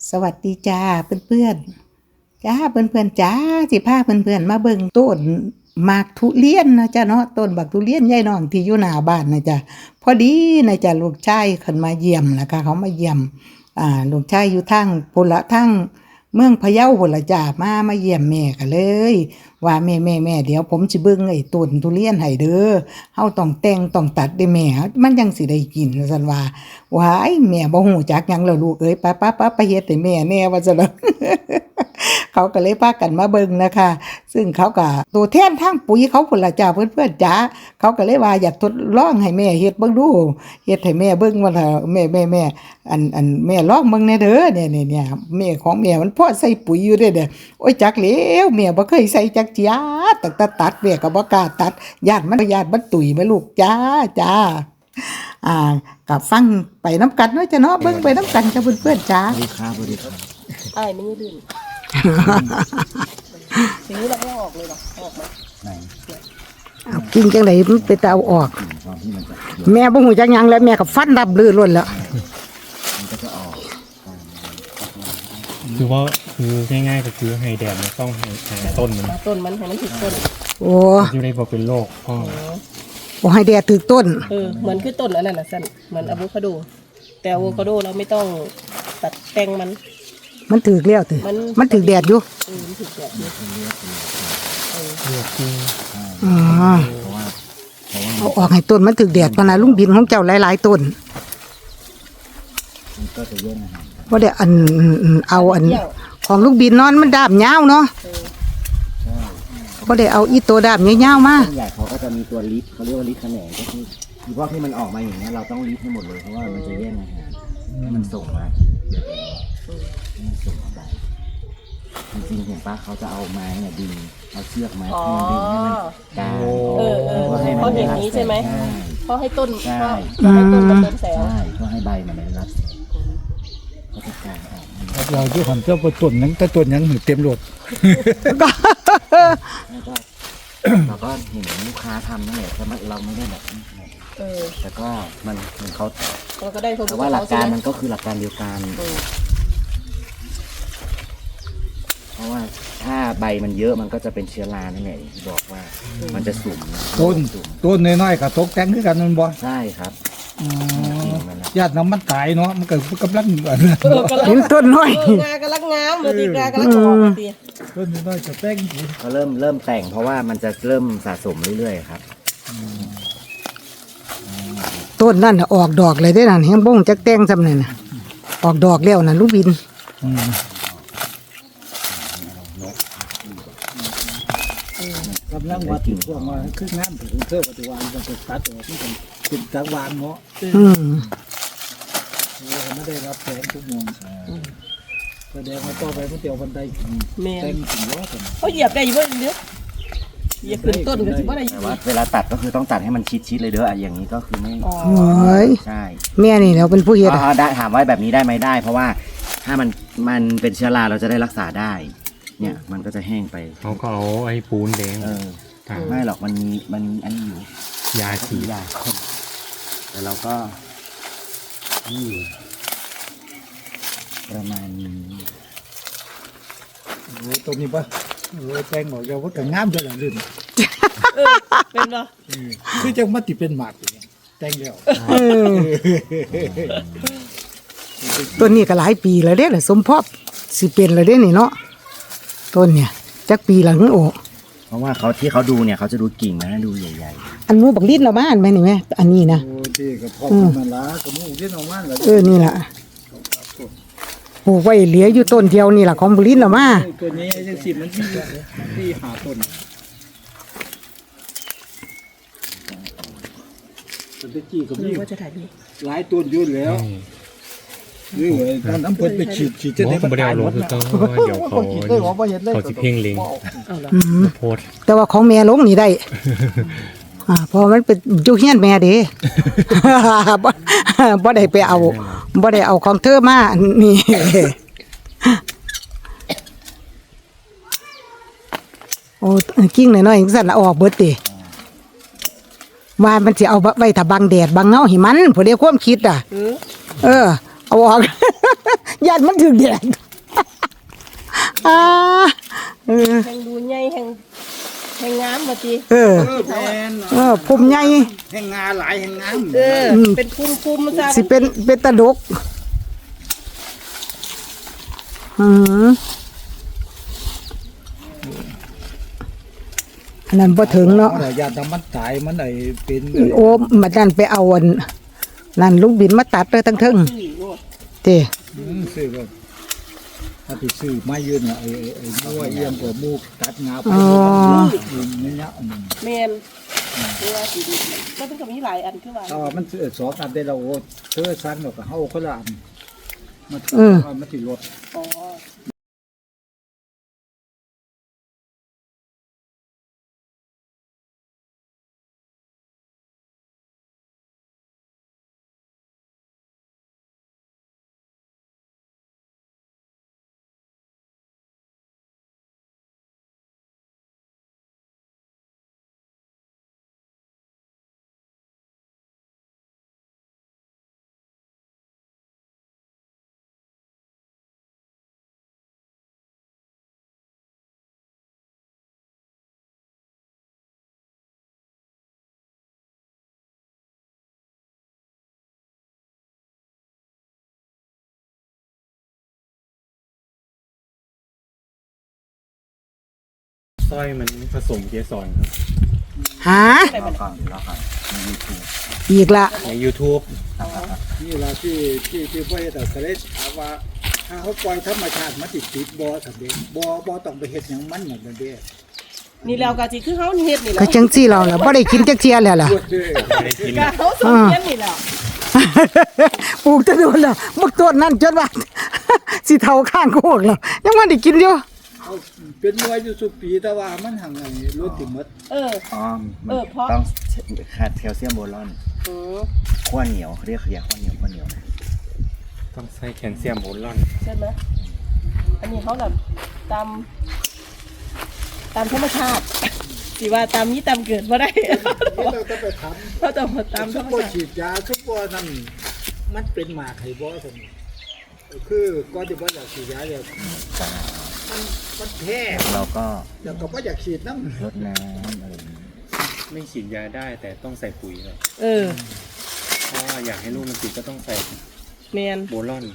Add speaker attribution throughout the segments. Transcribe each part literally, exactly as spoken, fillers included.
Speaker 1: สวัสดีจ้าเพื่อนๆจ้าเพื่อนๆจ้าสิพาเพื่อนๆมาเบิ่งต้นหมากทุเรียนนะจ้าเนาะต้นบักทุเรียนยายน้องที่อยู่หน้าบ้านนะจ้าพอดีนะจ้าลูกชายขึ้นมาเยี่ยมนะคะเขามาเยี่ยมอ่าลูกชายอยู่ทางพุ่นละทางเมืองพะเยาพุ่นละจ้ามามาเยี่ยมแม่กันเลยว่าแม่แม่แม่เดี๋ยวผมสิเบิ่งไอ้ต้นทุเรียนให้เด้อเฮาต้องแต่งต้องตัดได้แม่มันจังสิได้กินซั่นว่าว้ายแม่บ่ฮู้จักหยังแล้วลูกเอ้ยไปๆๆไปเฮ็ดให้แม่แน่ว่าซั่น เขาก็เลยพากันมาเบิ่งนะคะซึ่งเขาก็ตัวแทนทางปุ๋ยเขาพุ่นล่ะจ้าเพื่อนๆจ้าเขาก็เลยว่าอยากทดลองให้แม่เฮ็ดเบิ่งดูเฮ็ดให้แม่เบิ่งว่าแม่แม่แม่อันอันแม่ลองเบิ่งแน่เด้อเนี่ยเนี่ยแม่ของแม่มันพอใส่ปุ๋ยอยู่เด้อเด้อโอ้ยจักแล้วแม่บ่เคยใส่จักเจียตั้งแต่ตัดแม่ก็บ่กล้าตัดญาติมันญาติมันตุ๋ยแม่ลูกจ้าจ้าอ่าก็ฟังไปนำกันเนาะจ้ะเนาะเบิ่งไปนำกันจ้าเพื่อนๆจ้า
Speaker 2: สวัสดีครับสวัสดีครับ
Speaker 3: ไอ้ไม่ยืดดื่มทีนี้เราไม่ออกเลยหรอออกมา
Speaker 2: ไหน
Speaker 1: เอากินจังไดมันไปแต่เอาออก
Speaker 2: ตอนที่มันจะ
Speaker 1: แม่บ่ฮู้จักหยังแล้วแม่ก็ฟันดับลือล้วนแล้ว
Speaker 2: มันก็จะออก
Speaker 4: คือว่าคือง่ายๆก็คือให้แดดมันต้องให้หาต้นมัน
Speaker 3: ต้นมันให้มันถึงต้น
Speaker 1: โอ้
Speaker 4: จะได้บอกเป็นโรคพ่อ
Speaker 1: บ่ให้แดดถึกต้น
Speaker 3: เออเหมือนคือต้นอันนั้นน่ะสั้นเหมือนอะโวคาโดแต่อะโวคาโดเราไม่ต้องตัดแต่งมัน
Speaker 1: มันถึกแล้วติ
Speaker 3: มัน
Speaker 1: มันถึกแดดอยู่
Speaker 3: เออมันถึงแบบนี้
Speaker 4: เลือกที่
Speaker 1: อ๋อ
Speaker 2: เพราะว่าเพราะว่า
Speaker 1: เอาออกให้ต้นมันถึกแดดพะนะลุงบินของเจ้าหลายๆต้น
Speaker 2: มันก็จะแย่งอาหาร
Speaker 1: บ่ได้อันเอาอันของลุงบินนอนมันดาบยาวเนาะ
Speaker 3: เออ
Speaker 2: ใช่
Speaker 1: บ่ได้เอาอีตัวดาบยาวๆมา
Speaker 2: ต้นใหญ่เขาก็จะมีตัวลิฟเขาเรียกว่าลิฟแขนงก็คือคือพวกที่มันออกมาอย่างเงี้ยเราต้องลิฟให้หมดเลยเพราะว่ามันจะแย่งอาหารให้มันส่งมาให้มันส่งมาไปจริงๆเห็นปะเขาจะเอาไม้เนี่ยดึงเอาเชือกไม้
Speaker 3: อ๋อ
Speaker 2: ให้มันดึงให้มันกาง
Speaker 3: เออเออ
Speaker 2: พื่ให้
Speaker 3: เพราะอย่างนี้ใช่ไหม
Speaker 2: ใช่
Speaker 3: เพราะให้ต้น
Speaker 2: ใช่
Speaker 3: เพราะให้ต้นมันเดินแสง
Speaker 2: ใช่เพื่อให้ใบมันได้รับแสงก็จะกางออก
Speaker 5: เราอยู่หันเจ้าต้นนั้นแต่ต้นยังเต็มรถ
Speaker 2: แล้วก็เราก็เห็นลูกค้าทำนั่นแหละแต่เราไม่ได้แบบ
Speaker 3: เออ
Speaker 2: แต่ก็มันมันเขา
Speaker 3: เราก็ได้ผล
Speaker 2: แต่ว่าหลักการมันก็คือหลักการเดียวกัน
Speaker 3: เออ
Speaker 2: เพราะว่าถ้าใบมันเยอะมันก็จะเป็นเชื้อรานั่นแหละอย่างที่บอกว่ามันจะสุ่มนะ
Speaker 5: ต้น
Speaker 2: สุ่ม
Speaker 5: ต้นน้อยๆกับตกแต่งคือกันมันบ่
Speaker 2: ใช่ครับจริงมันนะ
Speaker 5: ญาติน้ำมันตายเนาะมันก็กำลังอัน
Speaker 3: เออกำลัง
Speaker 1: เห็นต้นน้อย
Speaker 3: เอองากำลังงามเลยตีงากำลังออกเลยตี
Speaker 5: ต้นน้อยๆจะแต่ง
Speaker 2: เขาเริ่มเริ่มแต่งเพราะว่ามันจะเริ่มสะสมเรื่อยๆครับ
Speaker 1: ต้นนั่นน่ะออกดอกเลยเด้นั่นแฮงบ่งจักแต่งซำนั่นน่ะออกดอกแล้วน่ะลุงบิน
Speaker 5: กำลังวัดถึงพวกมาคืองานถึงเทอปฏิวัติมันจะตัดออกมันเป็นจักรวาลเนาะ
Speaker 1: อืม
Speaker 5: ไม่ได้รับแสงทุกมองแสดงว่าต่อไปมันเตียวบันได
Speaker 3: แม่
Speaker 5: แต่งถึงว่ากัน
Speaker 3: เขาเหยียบได้อยู่เว้ยเนื้อเหยียบขึ้นต้นก็สิบ่ได้
Speaker 2: แต่ว่าเวลาตัดก็คือต้องตัดให้มันชิดๆเลยเด้ออ่ะอย่างนี้ก็คือไม่
Speaker 3: อ๋อ
Speaker 1: โอ้ย
Speaker 2: ใช่
Speaker 1: แม่นี่แหล้วเป็นผู้เฮ็ด
Speaker 2: อ๋
Speaker 1: อะ
Speaker 2: อได้ถามว่าแบบนี้ได้ไหมได้ เพราะว่าถ้ามันมันเป็นเชื้อราเราจะได้รักษาได้ เนี่ยมันก็จะแห้งไป
Speaker 4: เขาก็เอาไอ้ปูนแดง
Speaker 2: เออ
Speaker 4: ทา
Speaker 2: ไม่หรอกมันมีมันมีอันนี้อยู่
Speaker 4: ยาฉี
Speaker 2: สี
Speaker 4: ด
Speaker 2: ยาคนแต่เราก็นี่อยู่ประมาณนี้
Speaker 5: โอ้ตัวนี้ปะโอ้แต่งออกยาวว่าก็งามด้วยหลังลื่น
Speaker 3: เออเป็นบ่
Speaker 5: คือจังมาติเป็นหมากอย่างเงี้ยแต่งแล้ว
Speaker 1: เออต้นนี้ก็หลายปีแล้วเด้ล่ะสมภพสิเป็นแล้วเด้นี่เนาะต้นเนี่ยจักปีละหึโอ
Speaker 2: เพราะว่าเขาที่เขาดูเนี่ยเขาจะดูกิ่งมันนะดูใหญ่
Speaker 1: อันหมูบักลิ้นเราบ้านไหมนี่แม่อันนี้นะ
Speaker 5: โอ้ที่กับพ่อมันละกับมูที่น้องมันละ
Speaker 1: เออนี่ล่ะปลูกไว้เหลืออยู่ต้นเดียวนี่ล่ะของบักลิ้นเรามา
Speaker 5: ตัวนี้ยังสิมันที่ที่หาต้นต้นตะกี้กับ
Speaker 3: หรื
Speaker 5: นี่
Speaker 3: อว่าจะถ่ายดี
Speaker 5: หลายต้นอยู่แล้วนี่เว้ยตอนน้ำเพิ่นไปฉีดฉีดจะได้
Speaker 4: ผมไม่ได้เอาลงคือเขาเดี๋ยวเขา
Speaker 5: ฉีดได้ว่าบ่เห็นเลย
Speaker 4: เขาจะเพ่งเล็ง
Speaker 3: เอาเหรอ
Speaker 1: อืม
Speaker 4: โพสต์
Speaker 1: แต่ว่าของแม่ลงนี่ได้ อ่าเพอมันเป็นอยู่เฮียนแม่เด้ บ่บ่ได้ไปเอาบ่ได้เอาของเธอมานี่ โอ้กิ้งหน่อยๆจังซั่นน่ะออกเบิดติว่ามันสิเอาไว้ถ้าบังแดดบังเงาให้มันผู้ใดความคิดอ่ะ
Speaker 3: เออ
Speaker 1: เออเอาออก ญาติมันถึงแดด อ่าเออ
Speaker 3: แห่งดูใหญ่แห่งแห่งงามบ่ติ
Speaker 1: เออ
Speaker 5: เออแม่น
Speaker 1: เออผมใหญ่
Speaker 5: แห่งงาหลายแห่งงาม
Speaker 3: เออเป็นคุมๆซะ
Speaker 1: สิเป็นเป็นตะดกอืมอันนั้นบ่ถึงเนาะ
Speaker 5: เอาล่ะญาติมันตายมันไอ้เป็น
Speaker 1: โอ้มาดันไปเอาอันนั่นลูกบินมาตัดเลยทั้งเทึง
Speaker 3: นี่โลด
Speaker 1: เต้
Speaker 5: อืมซื้อแบบถ้าไปซื้อไม้ยืนอ่ะไอ้ไอ้ไอ้มัวเอียงกว่ามูกตัดงาไปนี่เนี่ยอืม
Speaker 3: แม่นเวลาสิดีก็ต้องก็มีหลายอันคือว่า
Speaker 5: ถ้าว่ามันซื้อสองอันได้เราโอ้เธอสั่งแล้วก็เฮาคนละอันมัน
Speaker 1: อืม
Speaker 5: มันสิลด
Speaker 3: อ๋อ
Speaker 4: สร้อยมันผสมเกสรครับ
Speaker 1: หา
Speaker 2: รอฟังรอฟังในยูทูบ
Speaker 1: อีกละ
Speaker 4: ใน YouTube
Speaker 5: นี่ล่ะที่ที่ที่บ่เฮ็ดเอาก็เลยถามว่าถ้าเขาปล่อยธรรมชาติมันสิติดบ่ครับเด้บ่บ่ต้องไปเฮ็ดหยังมันเหมือนกันเด้
Speaker 3: นี่แล้วก็สิคือเฮาเฮ็ดนี่แห
Speaker 1: ก็
Speaker 3: ละ
Speaker 1: จังซี่เราล่ะบ่ได้กินจักเที่ยแล้วล่ะ
Speaker 4: ไม่ได้กิน
Speaker 3: ก็เฮาสมเฮ็ดนี่แหละ
Speaker 1: ปลูกแตะโดนแล้วมักต้นนั่นจนว่า สิเท่าข้างโคกแล้วยังบ่ได้กินอยู่
Speaker 5: เอาเป็นไว้อยู่สุปีแต่ว่ามันหังไงรถติดหมด
Speaker 3: เออ
Speaker 2: อ๋อมัน
Speaker 3: เออเพราะ
Speaker 2: ต้องขาดแคลเซียมโบรอน
Speaker 3: อือ
Speaker 2: ขั้วเหนียวเขาเรียกขยะขั้วเหนียวขั้วเหนียว
Speaker 4: ต้องใส่แคลเซียมโบรอน
Speaker 3: ใช่ไหมอันนี้เขาแบบตามตามธรรมชาติสิว่าตามนี้ตามเกิดบ่ได้
Speaker 5: เราต้องไปท
Speaker 3: เขาต้องมาตาม
Speaker 5: ำ
Speaker 3: ธร
Speaker 5: ซุป
Speaker 3: รม
Speaker 5: เปอร์
Speaker 3: ชาติ
Speaker 5: ฉีดยาซุปเปอร์นั่นมันเป็นหมากไข่บ่ท่านคือก่อนที่ว่าอยากฉีดยาเนี่ยมันมันแพ้
Speaker 2: เราก็
Speaker 5: แล้วก็บ่อยากฉีดน้ำ
Speaker 2: ลดน้ำอะไรอย่างนี้
Speaker 4: ไม่ฉีดยาได้แต่ต้องใส่ปุ๋ยเลย
Speaker 3: เออ
Speaker 4: เพราะว่าอยากให้ลูกมันติดก็ต้องใส่
Speaker 3: แมน
Speaker 4: โบรอน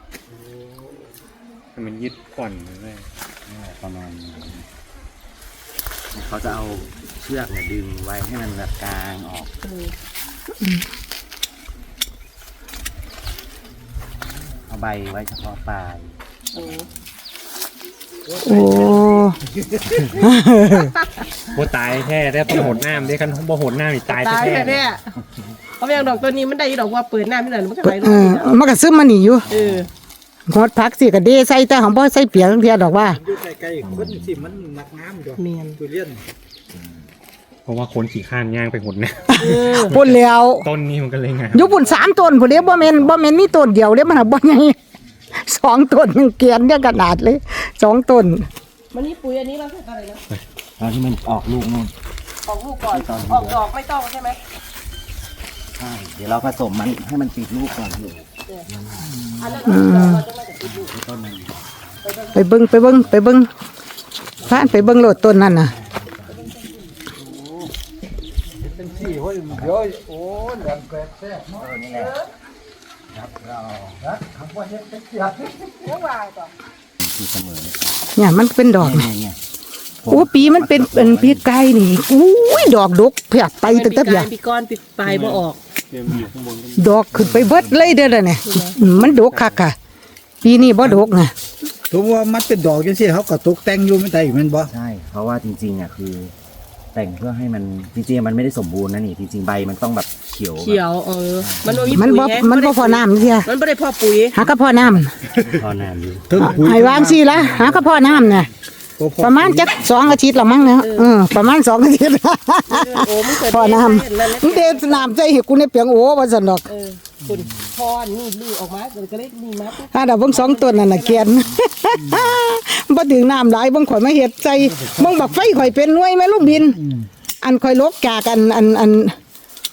Speaker 4: ให้มันยึดก่อนมันเลย
Speaker 2: ประมาณนี้เขาจะเอาเชือกเนี่ยดึงไว้ให้มันแบบกลางออก
Speaker 3: เออ
Speaker 2: เอาใบไว้เฉพาะปลาย
Speaker 3: เออ
Speaker 1: โอ้
Speaker 4: โบตายแท้แต่ต้องโหดน้ำด้วยกันบ่โหดน้ำนี่ตาย
Speaker 3: ตาย
Speaker 4: แท้
Speaker 3: แค่เนี้ยเอาอย่างดอกตัวนี้มันได้ดอกว่าเปิดหน้าไม่ได้มันก็ไหลล
Speaker 1: เอง อมันก็ซึมมานี่อยู่
Speaker 3: เออ
Speaker 1: งดพักสิก็เดใส่แต่ของบ่ใส่เปียกจังเที่ยดอกว่า
Speaker 5: อยู่ใกล้ๆคนที่มันหนักน้ำอยู่
Speaker 3: แมน
Speaker 5: ทุเรียน
Speaker 4: เพราะว่าคนขี่ข้านย่างไปหมดเนี่ย
Speaker 1: พุ่นแล้ว
Speaker 4: ต้นนี้มันก็เลยงาม
Speaker 1: อยู่พุ่นสามต้นพุ่นเด้บ่แม่นบ่แม่นมีต้นเดียวเด้มันน่ะบ่ใหญ่ สองต้นยังเกลียนเนี่ยขนาดเลยสองต้น
Speaker 3: มันนี่ปุ๋ยอันนี้เราใส่อะไรนะ
Speaker 2: ตอนที่มันออกลูกนู่น
Speaker 3: ออกลูกก่อนออกดอกไม่ต้องใช่ไหม
Speaker 2: ใช่เดี๋ยวเราผสมมันให้มันติดลูกก่อนอยู่
Speaker 3: อันนั้นเราจะไม่ได้ติดลูก
Speaker 2: ต้นมัน
Speaker 1: ไปเบิ่งไปเบิ่งไปเบิ่งพานไปเบิ่งโลดต้นนั่นน่ะ
Speaker 5: เป็นที่ห้อยเดี๋ยวโอ้แหลมแกรกแซ่บเนาะ
Speaker 2: ต้นนี่แหละ
Speaker 5: นะคำว่าเฮ็ดเป็นเสีย
Speaker 3: เมื่อวานก่อน
Speaker 2: คือเสมอเลย
Speaker 1: เนี่ยมันเป็นดอก
Speaker 2: เนี่ย
Speaker 1: นี่
Speaker 2: เนี่ย
Speaker 1: โอ้ปีมันเป็นเป็นปีไก่นี่อุ้ยดอกดกเพียบไปตั้งแต่เพีย
Speaker 3: ปีก้อนปีปลายบ่ออก
Speaker 4: เดี๋ยวมันอยู่ข้างบนก็
Speaker 1: ดอกขึ้นไปเบิดเลยเด้อล่ะเนี่ยอืมมันดกคักค่ะ ปีนี้บ่ดกนะ
Speaker 5: ถือว่ามันเป็นดอกจังซี่เขาก็ตกแต่งอยู่ไม่ได้แม่นบ่
Speaker 2: ใช่ เพราะว่าจริงๆอ่ะคือ แต่งเพื่อให้มันจริงๆมันไม่ได้สมบูรณ์นะนี่จริงๆใบมันต้องแบบเขียว
Speaker 3: เขียวเออ มันบ่มี
Speaker 1: มัน
Speaker 3: ปุ๋
Speaker 1: บ่
Speaker 3: ยไง
Speaker 1: มันบ่พอน้ำเสีย
Speaker 3: มันบ่ได้พอปุ๋ย
Speaker 1: หาก็พอน้ำ
Speaker 2: พอนานอยู่
Speaker 5: ถึงปุ๋ย
Speaker 1: ให้วางสิละหาก็พอน้ำเนี่ย
Speaker 5: ก็พอ
Speaker 1: ประมาณจักสองอาทิตย์ละมั้งเนี่ยเออประมาณสองอาทิตย์
Speaker 3: โอ้มันเกิด
Speaker 1: พอน้
Speaker 3: นั่น
Speaker 1: ำมึงเดชน้ำใจให้กูในเปียงโอ้ว่าซั่นดอก
Speaker 3: เออคุณพอนี่ลื้อออกมามันก็เลยนี่มาปุ๊บ
Speaker 1: ถ้าดอกเบิ่งสองต้นนั่นน่ะเกลียน บ่ถึงน้ำหลายเบิ่งข่อยมาเฮ็ดใส่เบิ่งบักไฟข่อยเป็นหน่วยแม่ลูกบิน อันข่อยลกจากอันอันอัน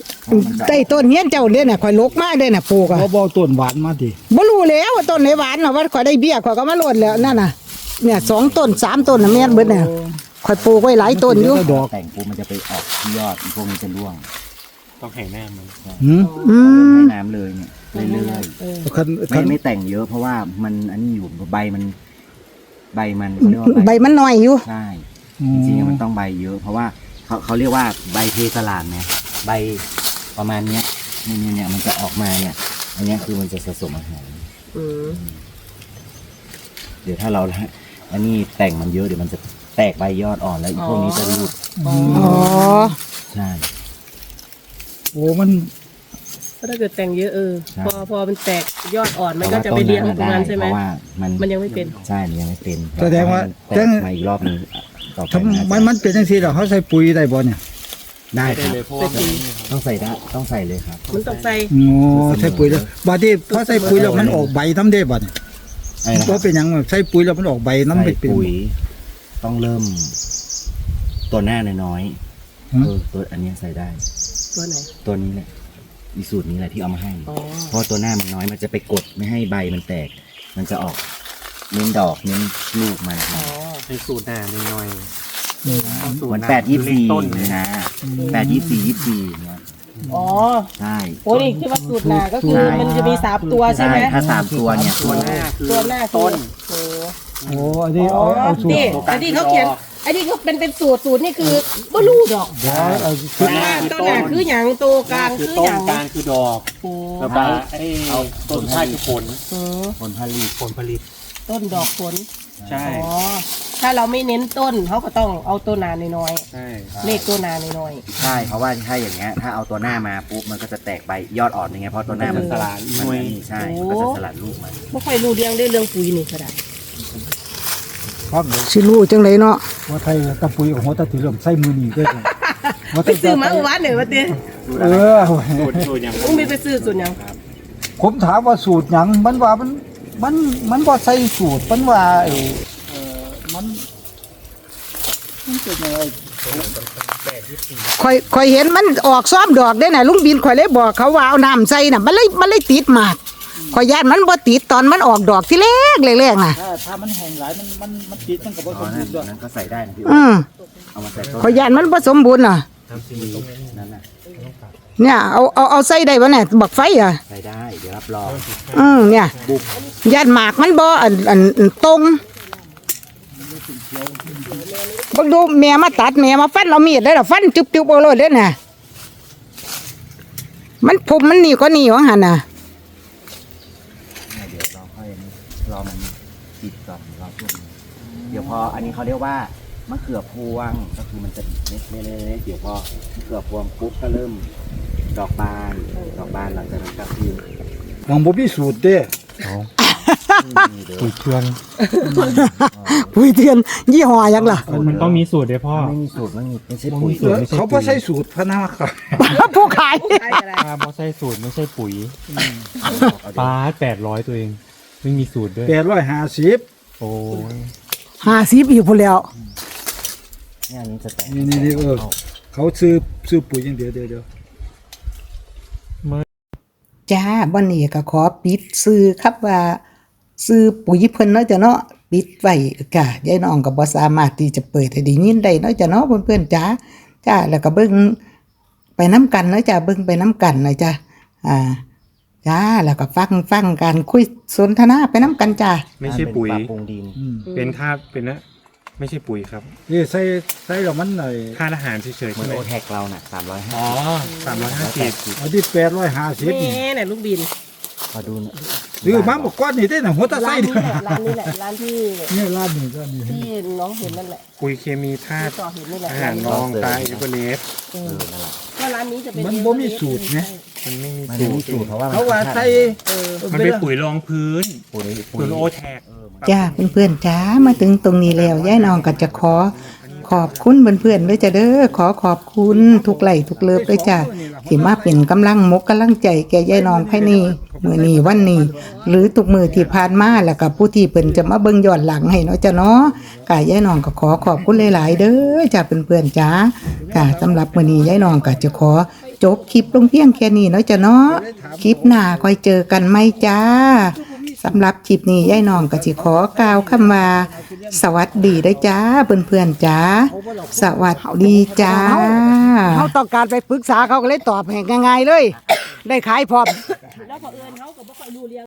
Speaker 1: ใต้ต้นเฮียนเจ้าเด้น่ะข่อยลกมาเด้น่ะปลูกอ่ะ
Speaker 5: บ่บ่ต้นหวานมาดิ
Speaker 1: บ่รู้แล้วว่าต้นไหนหวานเนาะว่าข่อยได้เบี้ยข่อยก็มาโลดแล้วนั่นน่ะเนี่ยสองต้นสามต้นน่ะแม่นเบิดน่ะข่อยปลูกไว้หลายต้นอยู่
Speaker 5: ดอก
Speaker 2: แต่งปุ๊บมันจะไปออกที่ยอดอีกพวกนี้จะร่วง
Speaker 4: ต้องให้หน้ามัน
Speaker 5: หืม
Speaker 1: อืม
Speaker 2: ให้น้ำเลยเนี่ยเรื่อย
Speaker 5: คัน
Speaker 2: ๆ
Speaker 5: คั
Speaker 2: ไม่
Speaker 5: น
Speaker 2: ไม่แต่งเยอะเพราะว่ามันอันนี้อยู่ใบมันใบมันเขาเรียกว่า
Speaker 1: ใบมันน้อยอยู่
Speaker 2: ใช่จริงๆมันต้องใบเยอะ เพราะว่าเขาเขาเรียกว่าใบเทสลามเนี่ยใบประมาณเนี้ยเนี่ยเนี่ยเนี่ยมันจะออกมาเนี่ย อันเนี้ยคือมันจะผสมอาหาร
Speaker 3: อืม
Speaker 2: เดี๋ยวถ้าเราอันนี้แต่งมันเยอะเดี๋ยวมันจะแตกใบยอดอ่อนแล้วอีกพวกนี้จะรูด
Speaker 3: อ๋อ
Speaker 1: อ๋อ
Speaker 2: ใช่
Speaker 5: โอ้มัน
Speaker 3: ก็ถ้าเกิดแต่งเยอะเออ
Speaker 2: ใช่
Speaker 3: พอพอมันแตกยอดอ่อนมันก็จะไปเลี้ยงตรงนั้นใช่ไหม
Speaker 2: เพราะว่ามัน
Speaker 3: มันยังไม่เป็น
Speaker 2: ใช่มันยังไม่เป็น
Speaker 5: แสดงว่า
Speaker 2: แตกมาอีกรอบหนึงต่อไป
Speaker 5: ทำไมมันเป็นจังซี่ล่ะเขาใส่ปุ๋ยได้บ่เนี่ย
Speaker 2: ได้ค
Speaker 4: ได้
Speaker 2: รับ
Speaker 4: เลยเพราะว่ามัน
Speaker 2: ต้องใส่ได้ต้องใส่เลยครับ
Speaker 3: มันต้องใส่
Speaker 5: โอ้ใส่ปุ๋ยแล้วบัดนี้พอใส่ปุ๋ยแล้วมันออกใบน้ำได้บ่เนี่ย
Speaker 2: อะไรนะค
Speaker 5: บ่
Speaker 2: รับ
Speaker 5: เป็นหยังใส่ปุ๋ยแล้วมันออกใบน้ำ
Speaker 2: ใส่
Speaker 5: ไปเป็น
Speaker 2: ปุ๋ยต้องเริ่ม ตัวหน้าน้อยๆ
Speaker 5: ฮะ
Speaker 2: เออตัวอันเนี้ยใส่ได้
Speaker 3: ตัวไหน
Speaker 2: ตัวนี้แหละอีสูตรนี้แหละที่เอามาให้
Speaker 3: อ๋อ
Speaker 2: เพราะตัวหน้ามันน้อยมันจะไปกดไม่ให้ใบมันแตก มันจะออกเน้นดอกเน้นลูกมัน
Speaker 3: อ๋อ
Speaker 4: ในสูตรหน้าหน่อยๆเอาสูตร
Speaker 2: เหมือน
Speaker 4: หา
Speaker 2: แปดยี่สี่
Speaker 4: ต้น
Speaker 2: เลยนะแปดยี่สี่ยี่สี่เนี่ย
Speaker 3: อ๋อ
Speaker 2: ใช่
Speaker 3: โอ้นี่ที่ว่าสูตรนาก็คือมันจะมีสามตัวใช่ไหม
Speaker 2: ถ้าสามตัวเนี่ย
Speaker 4: ตัวหน้าคือ
Speaker 3: ตัวหน้า
Speaker 4: ต้น
Speaker 3: โอ้
Speaker 5: โอ้อันนี้
Speaker 3: อ๋อ
Speaker 5: เอาเอาสูตร
Speaker 3: นี่อันนี้เขาเขียนอันนี้เขาเป็นเป็นสูตรสูตรนี่คือบ่รู้ดอก
Speaker 5: บ่เอา
Speaker 4: ตัวหน้าคือ
Speaker 3: ต้น
Speaker 4: ต้
Speaker 3: หน้าน คือหยังตัวกลาง
Speaker 4: คื
Speaker 3: คือ อ
Speaker 4: ต้
Speaker 3: ห
Speaker 4: น
Speaker 3: ยัง
Speaker 4: กลางคือดอก
Speaker 3: โอ้
Speaker 4: แล้วก็ไอ้ต้นท้ายคือผล
Speaker 3: อืม
Speaker 2: ผลผลิต
Speaker 4: ผลผลิต
Speaker 3: ต้นดอกผล
Speaker 4: ใช่
Speaker 3: อ๋อถ้าเราไม่เน้นต้นเขาก็ต้องเอาตัวหนาน้อย
Speaker 4: ใช่
Speaker 3: ๆเลขตัวหนาน้อย
Speaker 2: ใช่เพราะว่าถ้าอย่างเงี้ยถ้าเอาตัวหน้ามาปุ๊บมันก็จะแตกใบยอดอ่อนยังไงเพราะตัวหน้ามันสลัดมันอันนี้ใช่มันก็จะสลัดลูกมัน
Speaker 3: ๆไม่ค่อยรู้เรื่องได้เรื่องปุ๋ยนี่ก็ได้
Speaker 5: ครับ
Speaker 1: สิรู้จังไดเนาะ
Speaker 5: ว่าไทยตะปุ๋ยของหัวตะติเริ่มใส่มือนี่ได้เลยว่า
Speaker 3: ไป
Speaker 5: ไทย
Speaker 3: ซื้อมาเมื่อวานเนี่ยว่าเต้
Speaker 5: เออ
Speaker 4: สูตรสูตรอย่าง
Speaker 3: ต้องมีไปซื้อส่วนหยัง
Speaker 5: ผมถามว่าสูตรหยังมันว่ามันมันมันบ่ใส่สูตรมันว่าไอ้เออมันมันเป็นยังไง
Speaker 1: ข่อยข่อยเห็นมันออกซ้อมดอกได้น่ะลุงบินข่อยเลยบอกเขาว่าเอาน้ำใส่น่ะมันเลยมันเลยติดหมากข่อยย่านมันบ่ติดตอนมันออกดอกที่แรกแรกๆน่ะ
Speaker 5: ถ้าถ้ามันแห้งหลายมันมันมันติดมันก็บ่
Speaker 2: อ๋
Speaker 5: ส
Speaker 2: อ
Speaker 5: ม
Speaker 2: นั่
Speaker 5: บู
Speaker 2: น
Speaker 5: รณ์ด้วย
Speaker 2: นั้นก็ใส่ได้นะพี่
Speaker 1: อืม
Speaker 2: เอามาใส่ต้น
Speaker 1: ข่อยย่านมันบ่สมบูรณ์น่ะ
Speaker 4: ทำสี
Speaker 2: นั่นน่ะ
Speaker 1: เนี่ยเอาเอาเอาใส่ได้บ่เนี่ยบักไฟอ่ะ
Speaker 2: ใส่ได้เดี๋ยวรับรอง
Speaker 1: อืมเนี่ย
Speaker 2: บุบ
Speaker 1: ย่านหมากมันบ่อันอันอันตรงบักดูแม่มาตัดแม่มาฟันเอามีดได้ล่ะฟันจุบๆเอาเลยเด้อน่ะมันผมมันนี่ก็นี่ว่าหั่นน่ะ
Speaker 2: เนี่ยเดี๋ยวเราค่อยอันนี้รอมันติดก่อนรอช่วงนี้เดี๋ยวพออันนี้เขาเรียกว่ามะเขือพวงก็คือมันจะเล็กๆๆเดี๋ยวพอมะเขือพวงปุ๊บก็เริ่มดอกบานดอกบานหลังจากนั้นก็คือ
Speaker 5: หวังบ่มีสูตรเด้
Speaker 2: นี่เดี๋ยว
Speaker 4: ปุ๋ยเครื่อง
Speaker 1: ปุ๋ยเทียนยี่ห้อหยังล่ะ
Speaker 4: มันต้องมีสูตรด้วยพ่อ
Speaker 2: ไม่มีสูตรไม่มีไม่ใช่ปุ๋ย
Speaker 4: สูตรไม่ใช่
Speaker 5: เขาบ่ใส่สูตรพะนาครับ
Speaker 1: ผู้ขาย
Speaker 3: ใช่อะไร
Speaker 4: ถ้าไม่ใช่สูตรไม่ใช่ปุ๋ยปลาแปดร้อยตัวเอง ไม่มีสูตรด้วย
Speaker 5: แปดร้อยห้าสิบ
Speaker 4: โอ้ย
Speaker 1: ห้าสิบอีกพุ่นแล้ว
Speaker 2: เนี่ยอันนี้จะแตก
Speaker 5: นี่นี่นี่เออเขาซื้อซื้อปุ๋ยอย่างเดียวเดียวเดียว
Speaker 1: จ้าบ่นี้ก็ขอปิดซื้อครับว่าซื้อปุ๋ยเพิ่นเนาะจ้ะเนาะปิดไว้จ้ะยายน้องก็บ่สามารถที่จะเปิดให้ได้ยินได้เนาะจ้ะเนาะเพื่อนๆจ้าจ้าแล้วก็เบิ่งไปน้ำกันเนาะจ้ะเบิ่งไปน้ำกันนะจ้ะอ่าจ้าแล้วก็ฟังฟังการคุยสนทนาไปน้ำกันจ้า
Speaker 4: ไม่ใช่ปุ๋ย
Speaker 2: ปรับปรุงดิน
Speaker 5: อืม
Speaker 4: เป็นธาตุเป็นนะไม่ใช่ปุ๋ยครับ
Speaker 5: นี่ใส่ใส่แล้วมันหน่อย
Speaker 4: ธาตุอาหารเฉยๆ
Speaker 2: เหมื
Speaker 4: ใช่
Speaker 2: อน
Speaker 4: ไหม
Speaker 2: โอแท็กเราน่ะสามร้อยห้า
Speaker 4: อ๋อสามร้อยห้าสิบ
Speaker 5: อันที่แปดร้อยห้าสิบ
Speaker 3: แม่เนี่ยลูกบิน
Speaker 2: ขอดูหน่อย
Speaker 5: ซื้อมาเมื่อก่อนนี่ได้น่ะหัวตะ
Speaker 3: ร้า
Speaker 5: ไส้
Speaker 3: น
Speaker 5: เนี่
Speaker 3: นี้
Speaker 5: ย
Speaker 3: แหละร้านนี้แหละร้านที่
Speaker 5: นี่ร้านนี้ร้านนี้
Speaker 3: ที่น้องเห็นนั่นแหละ
Speaker 4: ปุ๋ยเคมีธาตุ
Speaker 3: ต่อเห็นนี่แหละ
Speaker 4: อาหารรองตาอิเบเนส
Speaker 3: เอ
Speaker 2: เอ
Speaker 3: อ
Speaker 2: อนั่นแหละ
Speaker 3: ก็ร้านนี้จะเป็น
Speaker 5: มันบ่มีสูตรไง
Speaker 4: มันไม่มี
Speaker 2: มัน
Speaker 4: สู
Speaker 2: ไม่มี
Speaker 4: ตร
Speaker 2: สูตรเพราะว่า
Speaker 5: เขาว่าใส่
Speaker 3: เออ
Speaker 4: มันเป็นปุ๋ยรองพื้น
Speaker 2: ปุ๋ยปุ๋
Speaker 4: ปุ๋
Speaker 2: ย
Speaker 4: ยโอแท็ก
Speaker 1: จ้าเพื่อนๆจ้ามาถึงตรงนี้แล้วยายน้องก็จะขอขอบคุณเพื่อนๆด้วยจ้ะเด้อขอขอบคุณทุกไหลทุกเลิฟด้วยจ้าที่มาเป็นกำลังมกกำลังใจแก่ยายน้องภายในมื้อนี้วันนี้ หรือทุกมื้อที่ผ่านมาแล้วก็ผู้ที่เพิ่นจะมาเบิ่งย้อนหลังให้เนาะจ้ะเนาะกายายน้องก็ขอขอบคุณหลายๆเด้อจ้าเพื่อนๆจ้ากะสำหรับมื้อนี้ยายน้องก็จะขอจบคลิปลงเพียงแค่นี้เนาะจ้ะเนาะคลิปหน้าค่อยเจอกันไหมจ้าสำหรับคลิปนี้ยายน้องก็สิขอกล่าวคำว่าสวัสดีได้อจ้าเพื่อนๆจ้าสวัสดีจ้า
Speaker 6: เขาต้องการไปปรึกษาเขาก็เลยตอบให้ง่ายๆเลย ได้ขายพร้อม
Speaker 3: แล้วพอเอิญเขาก็บ่ค่อยรู้เรื่อง